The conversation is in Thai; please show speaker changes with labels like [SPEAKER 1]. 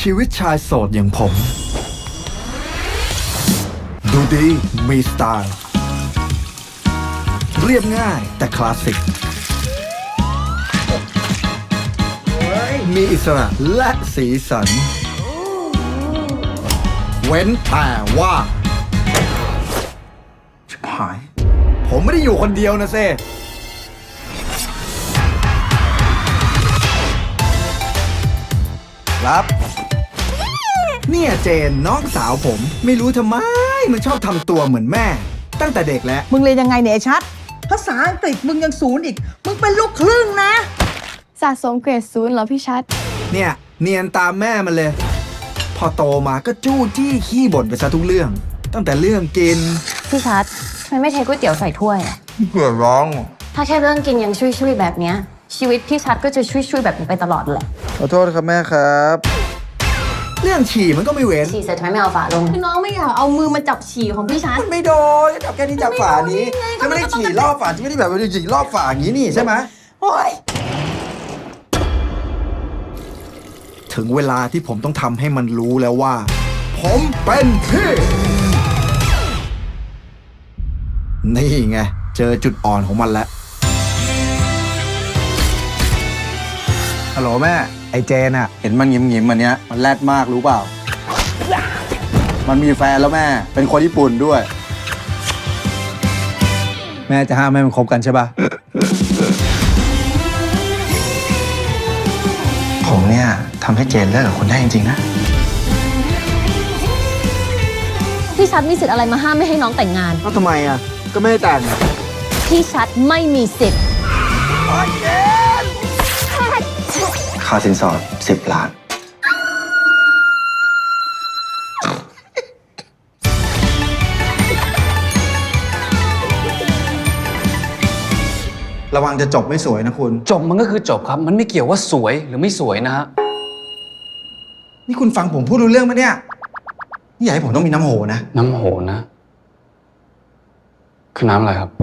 [SPEAKER 1] ชีวิตชายโสดอย่างผม ดูดีมีสไตล์ เรียบง่ายแต่คลาสสิก มีอิสระและสีสัน เว้นแต่ว่าชิบหาย ผมไม่ได้อยู่คนเดียวนะเซ่ครับ เนี่ยเจนน้องสาวผมไม่รู้ทำไมมันชอบทำตัวเหมือนแม่ ตั้งแต่เด็กแล้ว
[SPEAKER 2] มึงเรียนยังไงเนี่ยไอ้ชัด ภาษาอังกฤษมึงยังศูนย์อีก มึงเป็นลูกครึ่งนะ
[SPEAKER 3] สะสมเกรด0เหรอพี่ชัด
[SPEAKER 1] เนี่ยเนียนตามแม่มันเลย พอโตมาก็จู้จี้ขี้บ่นไปซะทุกเรื่อง ตั้งแต่เรื่องกิน
[SPEAKER 4] พี่ชัดทำไมไม่เทก๋วยเตี๋ยวใส่ถ้วยอะ
[SPEAKER 1] เผื่อร้อง
[SPEAKER 4] ถ้าแค่เรื่องกินยังช่วยๆแบบเนี้ยชีวิตพี่ชัดก็จะช่วยๆแบบนี้ไปตลอดแหละ
[SPEAKER 1] ขอโทษครับแม่ครับ เรื่องฉี่มันก็ไม่เว้น
[SPEAKER 4] ฉี่เสร็จทำไมไม่เอาฝาลงคือน้องไม่อยากเอามือมาจับฉี่ของพี่ชัด
[SPEAKER 1] มันไม่โดนจับแค่นี้จับฝานี้จะไม่ได้ฉี่รอบฝาจะไม่ได้แบบว่าฉี่รอบฝาอย่างนี้นี่ใช่ไหม
[SPEAKER 2] โอ้ย
[SPEAKER 1] ถึงเวลาที่ผมต้องทำให้มันรู้แล้วว่า ผมเป็นพี่ นี่ไง เจอจุดอ่อนของมันแล้ว ฮัลโหลแม่ ไอเจนอะเห็นมันยิ้มๆมันเนี้ย มันแรดมากรู้เปล่า มันมีแฟนแล้วแม่ เป็นคนญี่ปุ่นด้วย แม่จะห้ามให้มันคบกันใช่ปะ ผมเนี่ยทำให้เจนเลิกกับคุณได้จริงๆนะ
[SPEAKER 4] พี่ชัดมีสิทธิ์อะไรมาห้ามไม่ให้น้องแต่งงาน
[SPEAKER 1] ก็ทำไมอ่ะ ก็ไม่ได้แต่ง
[SPEAKER 4] พี่ชัดไม่มีสิทธิ์
[SPEAKER 1] ค่าสินสอด10 ล้าน ระวังจะจบไม่สวยนะคุณ
[SPEAKER 5] จบมันก็คือจบครับ มันไม่เกี่ยวว่าสวยหรือไม่สวยนะฮะ
[SPEAKER 1] นี่คุณฟังผมพูดรู้เรื่องไหมเนี่ย นี่อยากให้ผมต้องมีน้ำโหนะ
[SPEAKER 5] น้ำโหนะ คือน้ำอะไรครับ